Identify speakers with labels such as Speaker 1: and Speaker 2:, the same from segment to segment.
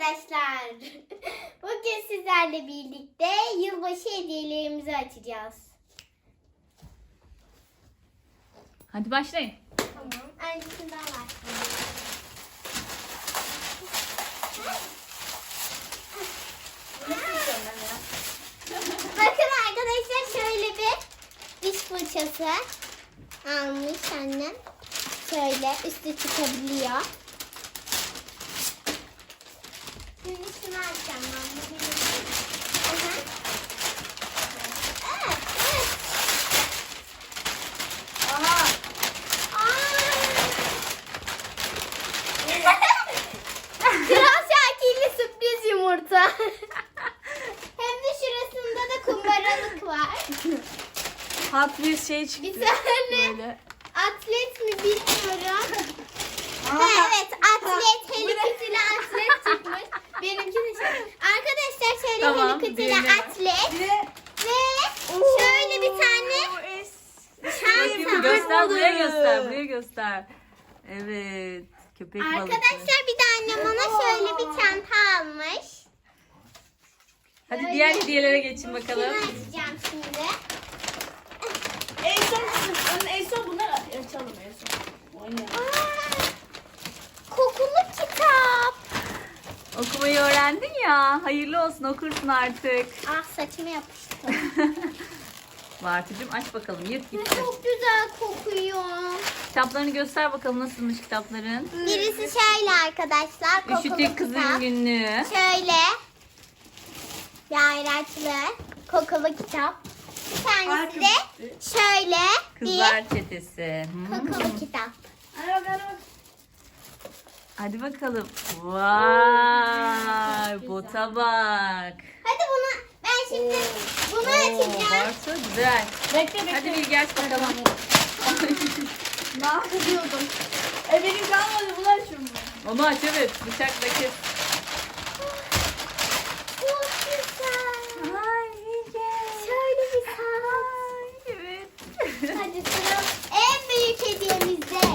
Speaker 1: arkadaşlar. Bugün sizlerle birlikte yılbaşı hediyelerimizi açacağız.
Speaker 2: Hadi başlayın.
Speaker 1: Tamam. Öncesinden başlayalım. Bakın arkadaşlar, şöyle bir diş fırçası almış annem. Şöyle üstü çıkabiliyor. Şimdi şunu açacağım ben. Evet.
Speaker 2: Aha.
Speaker 1: Kral Şakir'li sürpriz yumurta. Hem de şurasında da kumbaralık var.
Speaker 2: Hot bir şey çıktı.
Speaker 1: Bir tane
Speaker 2: Böyle.
Speaker 1: atlet mi bilmiyorum.
Speaker 2: Aha.
Speaker 1: Ha, evet, atlet, Hello Kitty'li atlet çıkmış. Benimki de şey. Arkadaşlar şöyle
Speaker 2: Tamam,
Speaker 1: Hello Kitty'li
Speaker 2: diğerine bak.
Speaker 1: atlet
Speaker 2: Bir de
Speaker 1: ve şöyle bir tane
Speaker 2: Bakayım,
Speaker 1: çanta.
Speaker 2: göster, buraya göster, buraya göster. Evet, köpek balığı.
Speaker 1: Arkadaşlar bir de annem ona şöyle bir çanta almış.
Speaker 2: Hadi diğer hediyelere geçin
Speaker 1: Şunu
Speaker 2: bakalım.
Speaker 1: açacağım şimdi.
Speaker 3: En son bunları açalım en son. Oynayalım.
Speaker 1: Aa, kokulu kitap.
Speaker 2: Okumayı öğrendin ya, hayırlı olsun, okursun artık.
Speaker 1: Ah, saçıma yapıştı.
Speaker 2: Bartucuğum aç bakalım, yırt gitsin.
Speaker 1: Çok güzel kokuyor.
Speaker 2: Kitaplarını göster bakalım, nasılmış kitapların.
Speaker 1: Birisi şöyle arkadaşlar, kokulu
Speaker 2: Üşütük kızın
Speaker 1: kitap.
Speaker 2: günlüğü.
Speaker 1: Şöyle yayraçlı kokulu kitap. Bir tanesi de şöyle
Speaker 2: Kızlar çetesi.
Speaker 1: bir kokulu kitap.
Speaker 2: Hadi bakalım. Vay, bota bak.
Speaker 1: Hadi ben şimdi bunu açacağım.
Speaker 2: Bartu güzel.
Speaker 3: Bekle.
Speaker 2: Hadi bir geç bakalım.
Speaker 3: Ne yapıyordum? Benim kalmadı, bunu açıyorum ben.
Speaker 2: Onu aç, evet, bıçakla kes.
Speaker 1: Çok güzel.
Speaker 2: Ay Bilge.
Speaker 1: Şöyle bir saat.
Speaker 2: Evet.
Speaker 1: Hadi sıra en büyük hediyemizde.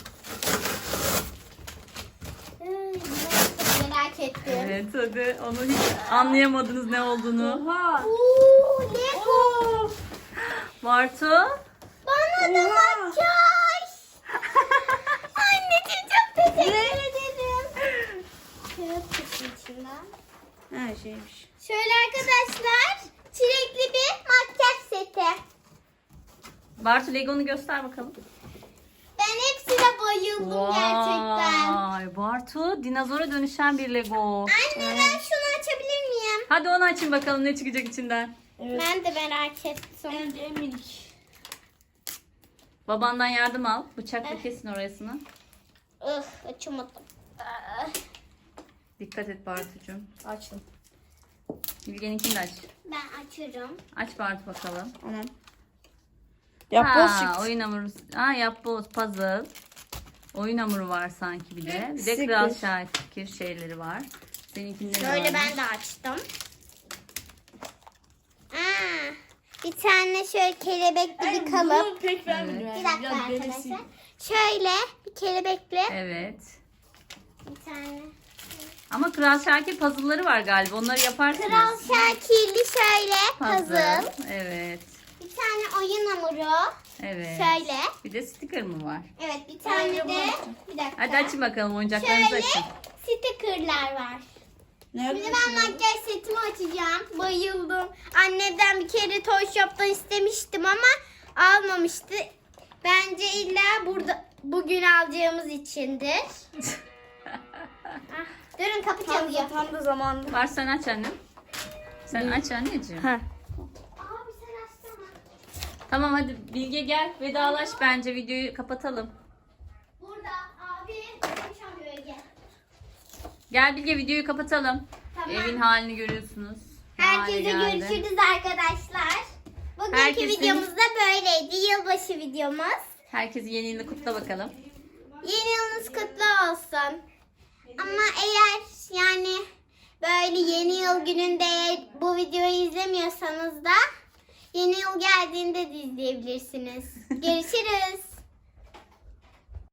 Speaker 1: Merak ettim.
Speaker 2: Evet, hadi onu hiç anlayamadınız ne olduğunu.
Speaker 3: Oha.
Speaker 1: Oo, Lego.
Speaker 3: Oo.
Speaker 2: Bartu.
Speaker 1: Bana da makyaj. Anneciğim çok teşekkür ederim. Kağıt çıktı içinden.
Speaker 3: Her şeymiş.
Speaker 1: Şöyle arkadaşlar, çilekli bir makyaj seti.
Speaker 2: Bartu, Lego'nu göster bakalım.
Speaker 1: Ben hepsine bayıldım gerçekten.
Speaker 2: Vay, Bartu dinozora dönüşen bir Lego.
Speaker 1: Anne, ben şunu açabilir miyim?
Speaker 2: Hadi onu açın bakalım, ne çıkacak içinden.
Speaker 3: Evet.
Speaker 1: Ben de merak ettim.
Speaker 3: En minik.
Speaker 2: Babandan yardım al. Bıçakla kesin orasını.
Speaker 1: Açamadım.
Speaker 2: Dikkat et Bartucuğum.
Speaker 3: Açtım.
Speaker 2: Bilge'ninkini de aç.
Speaker 1: Ben açıyorum.
Speaker 2: Aç Bartu bakalım.
Speaker 3: Tamam. Yapboz çıktı.
Speaker 2: Oyun hamuru. Yapboz, puzzle. Oyun hamuru var sanki bir de. Bir de
Speaker 3: Sticker.
Speaker 2: Kral Şakir şeyleri var. Seninkinde de
Speaker 1: Şöyle
Speaker 2: varmış.
Speaker 1: ben de açtım. Bir tane şöyle kelebekli bir kalıp.
Speaker 3: Bunu pek beğenmedim.
Speaker 1: Bir dakika arkadaşlar. Şöyle bir kelebekli
Speaker 2: Evet.
Speaker 1: bir tane.
Speaker 2: Ama Kral Şakir puzzle'ları var galiba. Onları yaparsınız.
Speaker 1: Kral Şakirli şöyle puzzle.
Speaker 2: Evet.
Speaker 1: Bir tane oyun hamuru.
Speaker 2: Evet.
Speaker 1: Şöyle.
Speaker 2: Bir de sticker mı var?
Speaker 1: Evet, bir tane de bir dakika.
Speaker 2: Hadi açın bakalım, oyuncaklarınızı
Speaker 1: Şöyle
Speaker 2: açın.
Speaker 1: stickerlar var.
Speaker 3: Nerede?
Speaker 1: Şimdi ben makyaj setimi açacağım. Bayıldım. Annemden bir kere Toy Shop'tan istemiştim ama almamıştı. Bence illa bugün alacağımız içindir. Durun, kapı çalıyor.
Speaker 3: Tam da zamanında.
Speaker 2: Var, sen aç annem. Sen aç anneciğim.
Speaker 3: Ha.
Speaker 1: Abi sen açsana.
Speaker 2: Tamam, hadi Bilge gel, vedalaş, bence videoyu kapatalım.
Speaker 1: Burada abi kapı çalıyor, gel.
Speaker 2: Gel Bilge, videoyu kapatalım.
Speaker 1: Tamam.
Speaker 2: Evin halini görüyorsunuz. Ne hale
Speaker 1: Herkese
Speaker 2: geldi.
Speaker 1: görüşürüz arkadaşlar. Bugünkü
Speaker 2: Herkesin-
Speaker 1: videomuz da böyleydi. Yılbaşı videomuz.
Speaker 2: Herkesi yeni yılını kutla bakalım.
Speaker 1: Yeni yılınız kutlu olsun. Ama eğer yani böyle yeni yıl gününde bu videoyu izlemiyorsanız da yeni yıl geldiğinde de izleyebilirsiniz. Görüşürüz.